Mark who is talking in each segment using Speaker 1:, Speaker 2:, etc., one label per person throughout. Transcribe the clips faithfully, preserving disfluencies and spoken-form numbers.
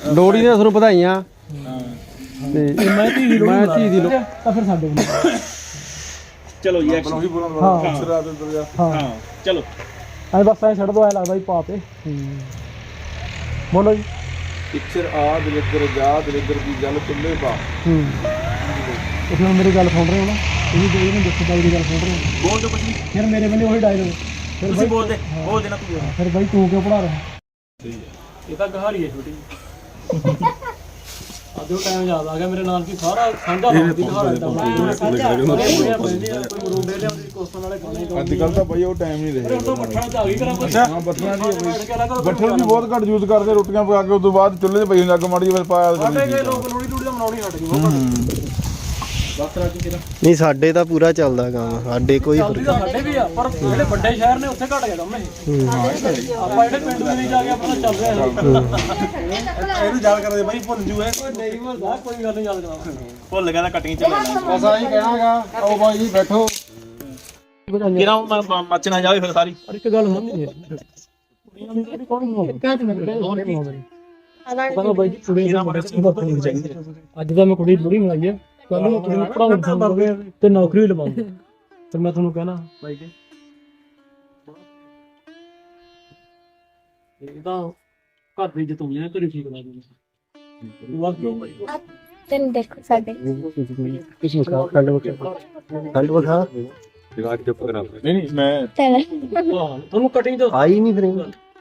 Speaker 1: ਲੋਹੜੀ ਦੀਆਂ ਤੁਹਾਨੂੰ ਵਧਾਈਆਂ। ਤੇ
Speaker 2: ਮੈਂ ਧੀ ਦੀ
Speaker 1: ਮੈਂ ਧੀ ਦੀ ਲੋਹੜੀ
Speaker 2: ਤਾਂ ਫਿਰ ਸਾਡੇ ਕੋਲ
Speaker 3: ਚਲੋ ਜੀ ਐਕਸ਼ਨ
Speaker 2: ਹਾਂ
Speaker 3: ਹਾਂ ਚਲੋ
Speaker 2: ਐ ਬਸ ਐ ਛੱਡ ਦੋ ਐ ਲੱਗਦਾ ਜੀ ਪਾ ਤੇ ਬੋਲੋ ਜੀ
Speaker 4: ਪਿਕਚਰ ਆ ਦਲਿੱਦਰ ਜਾ ਦਲਿੱਦਰ ਦੀ ਗੱਲ ਚੁੱਲ੍ਹੇ ਪਾ।
Speaker 2: ਹੂੰ ਤੁਸੀਂ ਹੁਣ ਮੇਰੀ ਗੱਲ ਸੁਣ ਰਹੇ ਹੋ ਨਾ ਤੁਸੀਂ ਕੋਈ ਨਹੀਂ ਦੱਸੋ ਬਾਈ ਦੀ ਗੱਲ ਸੁਣ ਰਹੇ ਹੋ
Speaker 3: ਬੋਲ ਦੋ ਕੁਝ ਨਹੀਂ
Speaker 2: ਫਿਰ ਮੇਰੇ ਬੰਦੇ ਉਹੀ ਡਾਇਲੋਗ ਫਿਰ
Speaker 3: ਤੁਸੀਂ ਬੋਲ ਦੇ ਬੋਲ ਦੇਣਾ ਤੂੰ
Speaker 2: ਫਿਰ ਬਾਈ ਤੂੰ ਕਿਉਂ ਪੜਾ ਰਿਹਾ
Speaker 3: ਇਹ ਤਾਂ ਗਹਾਰੀ ਹੈ ਛੋਟੀ
Speaker 2: ਅੱਜ ਉਹ ਟਾਈਮ ਯਾਦ ਆ ਗਿਆ ਮੇਰੇ ਨਾਲ ਕੀ ਸਾਰਾ ਸਾਂਝਾ ਲੱਗਦੀ ਘਰ ਦਾ ਸਾਂਝਾ ਕੋਈ ਮਰੂਡੇ ਲਿਆਉਂਦੀ ਕੋਸਤਾਂ ਵਾਲੇ ਖਾਣੇ
Speaker 4: ਅੱਜ ਕੱਲ ਤਾਂ ਬਈ ਉਹ ਟਾਈਮ ਨਹੀਂ ਰਹੇ।
Speaker 2: ਹੁਣ ਤਾਂ ਮੱਠਾਂ ਚ ਆ ਗਈ ਕਰਾਂ ਕੁਛ
Speaker 4: ਹਾਂ ਬੱਠਲਾਂ ਦੀ ਬੱਠਲ ਵੀ ਬਹੁਤ ਘੱਟ ਯੂਜ਼ ਕਰਦੇ ਰੋਟੀਆਂ ਪਕਾ ਕੇ ਉਸ ਤੋਂ ਬਾਅਦ ਚੁੱਲ੍ਹੇ 'ਤੇ ਪਈ ਹੁੰਦੀ ਅੱਗ ਮਾੜੀ ਫਿਰ ਪਾਇਆ
Speaker 2: ਸਾਡੇ ਕਈ ਲੋਕ ਲੋੜੀ ਲੂੜੀ ਬਣਾਉਣੀ ਹਟ ਗਈ ਉਹ ਬਸ ਰਾਜੀ ਕਿਹਦਾ
Speaker 1: ਨਹੀਂ ਸਾਡੇ ਤਾਂ ਪੂਰਾ ਚੱਲਦਾ ਕੰਮ ਸਾਡੇ ਕੋਈ
Speaker 2: ਚੱਲਦੀ ਤਾਂ ਸਾਡੇ ਵੀ ਆ ਪਰ ਜਿਹੜੇ ਵੱਡੇ ਸ਼ਹਿਰ ਨੇ ਉੱਥੇ ਘਟ ਗਿਆ ਕੰਮ ਇਹ ਆਪਾਂ ਜਿਹੜੇ ਪਿੰਡ ਦੇ ਵਿੱਚ ਜਾ ਕੇ ਆਪਣਾ ਚੱਲ ਰਿਹਾ
Speaker 3: ਇਹਨੂੰ ਯਾਦ ਕਰਦੇ ਬਾਈ ਭੁੱਲ ਜੂ ਐ
Speaker 2: ਨਹੀਂ ਮਰਦਾ ਕੋਈ ਗੱਲ ਨਹੀਂ ਯਾਦ ਕਰਾ
Speaker 3: ਭੁੱਲ ਗਿਆ ਤਾਂ ਕਟਿੰਗ ਚੱਲ ਲੈਣਾ
Speaker 1: ਬਸ ਆਹੀ ਕਹਿਣਾਗਾ ਆਓ ਬਾਈ ਜੀ ਬੈਠੋ।
Speaker 3: ਕਿਰਾ ਮੱਚਣਾ ਜਾਵੇ ਫਿਰ ਸਾਰੀ
Speaker 2: ਪਰ ਇੱਕ ਗੱਲ ਸੁਣਨੀ ਅੱਜ ਤਾਂ ਮੈਂ ਕੁੜੀ ਲੋੜੀ ਮਨਾਈ ਹੈ ਕੱਲ ਨੂੰ ਕੁੜੀ ਨੂੰ ਪੜਾਉਂ ਤੇ ਨੌਕਰੀ ਲਵਾਉਂਗਾ ਫਿਰ ਮੈਂ ਤੁਹਾਨੂੰ ਕਹਿਣਾ ਬਾਈ ਜੀ ਇਹ ਤਾਂ ਘਰ ਦੀ ਇੱਜ਼ਤ ਹੋਣੀ ਹੈ ਘਰੇ ਠੀਕ ਲਾ ਦੂੰਗਾ ਵਾਹ ਕਿਉਂ ਬਾਈ
Speaker 5: ਤੈਨੂੰ ਦੇਖੋ ਸਾਡੇ
Speaker 1: ਕਿਸੇ ਨੂੰ ਖੰਡ ਵਖਾ ਖੰਡ ਵਖਾ
Speaker 4: ਜਗਾ ਕੇ ਚੁੱਪ ਕਰਾ ਨਹੀਂ ਨਹੀਂ ਮੈਂ
Speaker 5: ਚੱਲ
Speaker 2: ਤੁਹਾਨੂੰ ਕਟਿੰਗ ਤੋਂ
Speaker 1: ਆਈ ਨਹੀਂ ਫਿਰ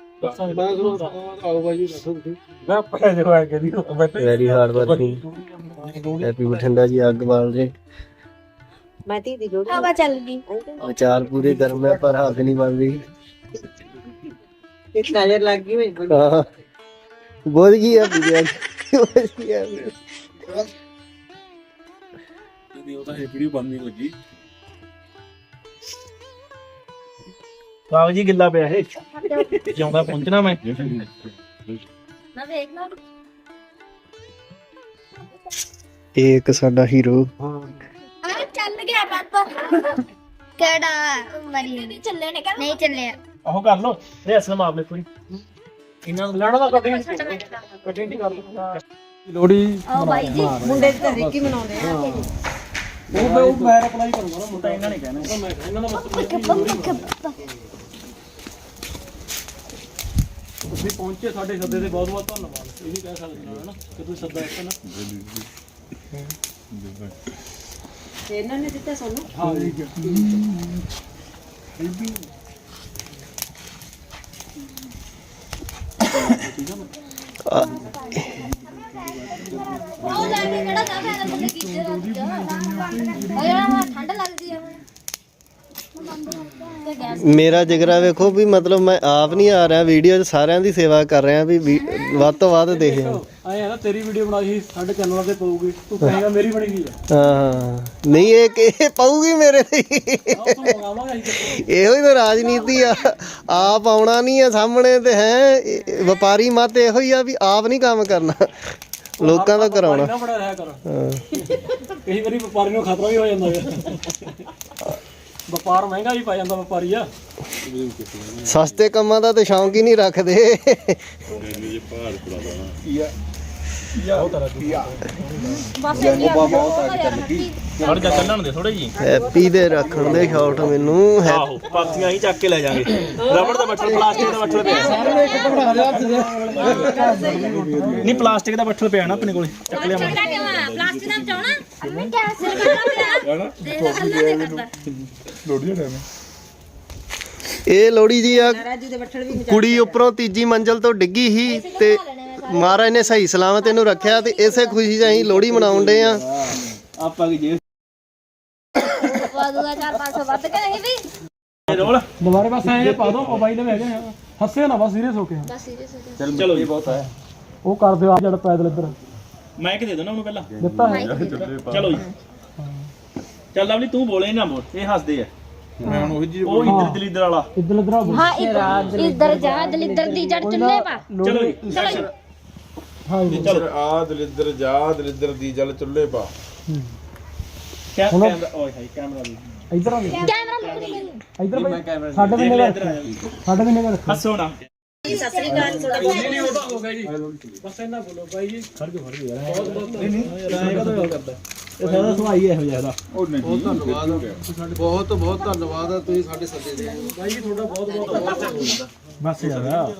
Speaker 2: ਆਓ ਬਾਈ ਜੀ ਬੈਠੋ ਤੁਸੀਂ
Speaker 4: ਮੈਂ ਪੈ ਜੋ ਆ ਕੇ ਦੀ ਬੈਠੇ
Speaker 1: very hard working happy Bathinda ji ਅੱਗ ਬਾਲ ਦੇ
Speaker 5: ਮੈਂ ਤੀ ਦੀ ਲੋੜੀ ਹਵਾ ਚੱਲ ਗਈ
Speaker 1: ਅਚਾਰ ਪੂਰੇ ਗਰਮ ਹੈ ਪਰ ਹੱਥ ਨਹੀਂ ਬਣ ਰਹੀ
Speaker 5: ਇੱਕ ਨਜ਼ਰ ਲੱਗ ਗਈ ਮੈਨੂੰ
Speaker 1: ਹਾਂ ਬਹੁਤ ਕੀ ਹੈ ਵੀਡੀਓ ਕੀ ਹੈ
Speaker 4: ਨਹੀਂ ਉਹ ਤਾਂ ਇਹ ਵੀਡੀਓ ਬੰਦ ਨਹੀਂ ਲੱਗੀ
Speaker 3: ਕਾਗਜ਼ ਹੀ ਗਿੱਲਾ ਪਿਆ ਇਹ ਜਿਉਂਦਾ ਪਹੁੰਚਣਾ ਮੈਂ
Speaker 5: ਨਾ ਵੇਖ ਨਾ
Speaker 1: ਇਹ ਇੱਕ ਸਾਡਾ ਹੀਰੋ
Speaker 5: ਆ ਚੱਲ ਗਿਆ ਪਾਪਾ ਕਿਹੜਾ ਮਰੀ ਨਹੀਂ ਚੱਲੇ ਨੇ ਕਹਿੰਦਾ ਨਹੀਂ ਚੱਲਿਆ
Speaker 3: ਉਹ ਕਰ ਲੋ ਰਿਹਸਲ ਮਾਰ ਲੈ ਕੋਈ
Speaker 2: ਇਹਨਾਂ ਨੂੰ ਲੜਨਾ ਕਟਿੰਗ ਕਟਿੰਗ ਕਰ ਲਓ
Speaker 1: ਲੋਹੜੀ
Speaker 5: ਆਓ ਬਾਈ ਜੀ ਮੁੰਡੇ ਦੀ ਤਾਂ ਰਿੱਕੀ ਮਨਾਉਂਦੇ ਆ
Speaker 2: ਉਹ ਮੈਂ ਉਹ ਮੈਂ ਅਪਲਾਈ ਕਰੂੰਗਾ ਨਾ ਮੁੰਡਾ
Speaker 3: ਇਹਨਾਂ ਨੇ ਕਹਿਣਾ
Speaker 2: ਉਹ ਮੈਂ ਇਹਨਾਂ ਦਾ ਮਤਲਬ ਤੁਸੀਂ ਪਹੁੰਚੇ ਸਾਡੇ ਸੱਦੇ ਤੇ ਬਹੁਤ ਬਹੁਤ ਧੰਨਵਾਦ ਇਹ ਵੀ ਕਹਿ ਸਕਦੇ ਹਾਂ ਨਾ ਕਿ ਤੁਸੀਂ ਸੱਦਾ ਦਿੱਤਾ ਨਾ
Speaker 5: ਇਹਨਾਂ ਨੇ ਦਿੱਤਾ ਸਾਨੂੰ
Speaker 2: ਹਾਂ ਠੀਕ ਹੈ
Speaker 5: ਉਹ ਲੈ ਕੇ ਕਿਹੜਾ ਜਾ ਫਾਇਦਾ ਮੁੰਡੇ ਕੀਤੇ ਠੰਡ ਲੱਗਦੀ ਆ ਤੇ ਗੈਸ
Speaker 1: ਮੇਰਾ ਜਿਗਰਾ ਵੇਖੋ ਵੀ ਮਤਲਬ ਮੈਂ ਆਪ ਨਹੀਂ ਆ ਰਿਹਾ ਵੀਡੀਓ 'ਚ ਸਾਰਿਆਂ ਦੀ ਸੇਵਾ ਕਰ ਰਿਹਾ ਵੀ ਵੀ ਵੱਧ ਤੋਂ ਵੱਧ ਦੇਖਿਓ।
Speaker 2: ਆਏ ਆ ਨਾ ਤੇਰੀ ਵੀਡੀਓ ਬਣਾਈ ਸੀ ਸਾਡੇ ਚੈਨਲ ਤੇ ਪਊਗੀ ਤੂੰ ਕਹੇਗਾ ਮੇਰੀ ਬਣੀ ਗਈ ਆ
Speaker 1: ਹਾਂ ਨਹੀਂ ਇਹ ਇਹ ਪਾਊਗੀ ਮੇਰੇ ਤੇ
Speaker 2: ਆਪ ਤੋਂ ਮੰਗਾਵਾਂਗੇ ਅਸੀਂ
Speaker 1: ਇਹੋ ਹੀ ਤਾਂ ਰਾਜਨੀਤੀ ਆ ਆਪ ਆਉਣਾ ਨਹੀਂ ਆ ਸਾਹਮਣੇ ਤੇ ਹੈ ਵਪਾਰੀ ਮਤ ਇਹੋ ਹੀ ਆ ਵੀ ਆਪ ਨਹੀਂ ਕੰਮ ਕਰਨਾ ਲੋਕਾਂ ਦਾ ਕਰਾਉਣਾ।
Speaker 2: ਨਾ ਬੜਾ ਰਿਹਾ ਕਰ
Speaker 1: ਹਾਂ
Speaker 2: ਕਈ ਵਾਰੀ ਵਪਾਰੀ ਨੂੰ ਖਤਰਾ ਵੀ ਹੋ ਜਾਂਦਾ ਹੈ ਵਪਾਰ ਮਹਿੰਗਾ ਵੀ ਪੈ ਜਾਂਦਾ ਵਪਾਰੀ ਆ
Speaker 1: ਸਸਤੇ ਕੰਮਾਂ ਦਾ ਤੇ ਸ਼ੌਂਕ ਹੀ ਨਹੀਂ ਰੱਖਦੇ।
Speaker 5: ਬਸ ਇਹ
Speaker 3: ਹੜ ਜਾ ਚੱਲਣ ਦੇ ਥੋੜੇ ਜੀ
Speaker 1: ਹੈਪੀ ਦੇ ਰੱਖਣ ਦੇ ਸ਼ਾਟ ਮੈਨੂੰ ਹੈ
Speaker 3: ਆਹੋ ਪਾਥੀਆਂ ਹੀ ਚੱਕ ਕੇ ਲੈ ਜਾਾਂਗੇ ਰਬੜ ਦਾ ਬੱਠਲ ਪਲਾਸਟਿਕ ਦਾ ਬੱਠਲ ਪਿਆ ਨਹੀਂ ਪਲਾਸਟਿਕ ਦਾ ਬੱਠਲ ਪਿਆ ਨਾ ਆਪਣੇ ਕੋਲੇ ਚੱਕ ਲਿਆ
Speaker 5: ਛੋਟਾ ਕਿਉਂ ਆ ਪਲਾਸਟਿਕ ਦਾ ਬਚਾਉਣਾ ਅੰਮੀ ਗੈਸ ਸਿਰ ਕਰਨਾ ਪਿਆ ਦੇਖ ਹੱਲਾ ਨਹੀਂ ਕਰਦਾ
Speaker 4: ਲੋੜੀ ਟਾਈਮ
Speaker 1: ਇਹ ਲੋੜੀ ਜੀ ਆ ਕੁੜੀ ਉੱਪਰੋਂ ਤੀਜੀ ਮੰਜ਼ਲ ਤੋਂ ਡਿੱਗੀ ਸੀ ਤੇ ਮਹਾਰਾਜ ਨੇ ਸਹੀ ਸਲਾਮਤ ਇਹਨੂੰ ਰੱਖਿਆ ਤੇ ਇਸੇ ਖੁਸ਼ੀ 'ਚ ਅਸੀਂ ਲੋਹੜੀ ਮਨਾਉਣ ਡੇ ਆ।
Speaker 3: ਆਪਾਂ ਕੀ ਜੇ
Speaker 5: ਵਾਦੂਗਾ ਚਾਰ ਪੰਜ ਸੌ ਵੱਧ ਕੇ ਨਹੀਂ ਵੀ
Speaker 3: ਰੋਲ
Speaker 2: ਦੁਬਾਰੇ ਬਸ ਐਂ ਪਾ ਦੋ ਮੋਬਾਈਲ ਦੇ ਹੈਗੇ ਹੱਸੇ ਨਾ ਬਸ ਸੀਰੀਅਸ ਹੋ ਕੇ
Speaker 5: ਬਸ ਸੀਰੀਅਸ ਹੋ
Speaker 3: ਚਲ ਚਲੋ ਜੀ ਬਹੁਤ ਹੈ
Speaker 2: ਉਹ ਕਰ ਦਿਓ ਆ ਜਿਹੜਾ ਪੈਦਲ ਇੱਧਰ
Speaker 3: ਮੈਂ ਕਿ ਦੇ ਦੋ ਨਾ ਉਹਨੂੰ ਪਹਿਲਾਂ
Speaker 2: ਦਿੱਤਾ ਹੈ
Speaker 3: ਚਲੋ ਜੀ ਚੱਲ ਲਵਲੀ ਤੂੰ ਬੋਲੇ ਨਾ ਬੋਲ ਇਹ ਹੱਸਦੇ ਆ
Speaker 4: ਮੈਂ ਹੁਣ ਉਹੀ ਜੀ
Speaker 3: ਉਹ ਇੱਧਰ ਦਲਿੱਦਰ ਵਾਲਾ
Speaker 2: ਇੱਧਰ ਇੱਧਰ ਆ
Speaker 5: ਹਾਂ ਇੱਧਰ ਇੱਧਰ ਜਾ ਦਲਿੱਦਰ ਦੀ ਜੜ ਚੁੱਲੇ ਪਾ
Speaker 3: ਚਲੋ ਜੀ
Speaker 5: ਚਲੋ
Speaker 2: ਹਾਂ
Speaker 4: ਪਿਕਚਰ ਆ ਦਲਿੱਦਰ ਜਾ ਦਲਿੱਦਰ ਦੀ ਗੱਲ ਚੁੱਲ੍ਹੇ ਪਾ
Speaker 3: ਕੈਮਰਾ ਓਏ ਹਾਈ ਕੈਮਰਾ ਵੀ
Speaker 2: ਇੱਧਰ ਆ
Speaker 5: ਕੈਮਰਾ ਮੁੱਕ ਨਹੀਂ
Speaker 2: ਇੱਧਰ ਬਈ ਸਾਡੇ ਵੀ ਨਿਗਾਹ ਸਾਡੇ ਵੀ ਨਿਗਾਹ ਰੱਖੋ
Speaker 3: ਹੱਸੋ ਨਾ
Speaker 6: ਜੀ ਸਤਿ ਸ੍ਰੀ ਅਕਾਲ ਥੋੜਾ
Speaker 2: ਨਹੀਂ ਨਹੀਂ ਉਹ ਤਾਂ ਹੋ ਗਿਆ ਜੀ ਬਸ ਇੰਨਾ ਬੋਲੋ ਬਾਈ ਜੀ ਖੜ ਕੇ ਖੜ ਗਿਆ ਬਹੁਤ ਬਹੁਤ ਨਹੀਂ ਨਹੀਂ ਕਦੋਂ ਕਰਦਾ ਇਹ ਸਾਰਾ ਸੁਭਾਈ ਇਹੋ ਜਿਹਾ ਦਾ
Speaker 4: ਉਹ ਨਹੀਂ ਬਹੁਤ
Speaker 7: ਧੰਨਵਾਦ ਬਹੁਤ ਬਹੁਤ ਧੰਨਵਾਦ ਆ ਤੁਸੀਂ ਸਾਡੇ ਸੱਦੇ ਦੇ
Speaker 2: ਬਾਈ ਜੀ ਤੁਹਾਡਾ ਬਹੁਤ ਬਹੁਤ ਧੰਨਵਾਦ ਬਸ ਯਾਰ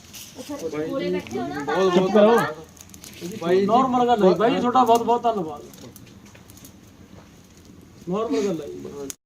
Speaker 7: ਬਹੁਤ
Speaker 2: ਚੁੱਪ ਕਰੋ
Speaker 7: ਬਾਈ
Speaker 2: ਨਾਰਮਲ ਗੱਲ ਹੈ ਬਾਈ ਜੀ ਤੁਹਾਡਾ ਬਹੁਤ ਬਹੁਤ ਧੰਨਵਾਦ ਨਾਰਮਲ ਗੱਲ ਹੈ ਜੀ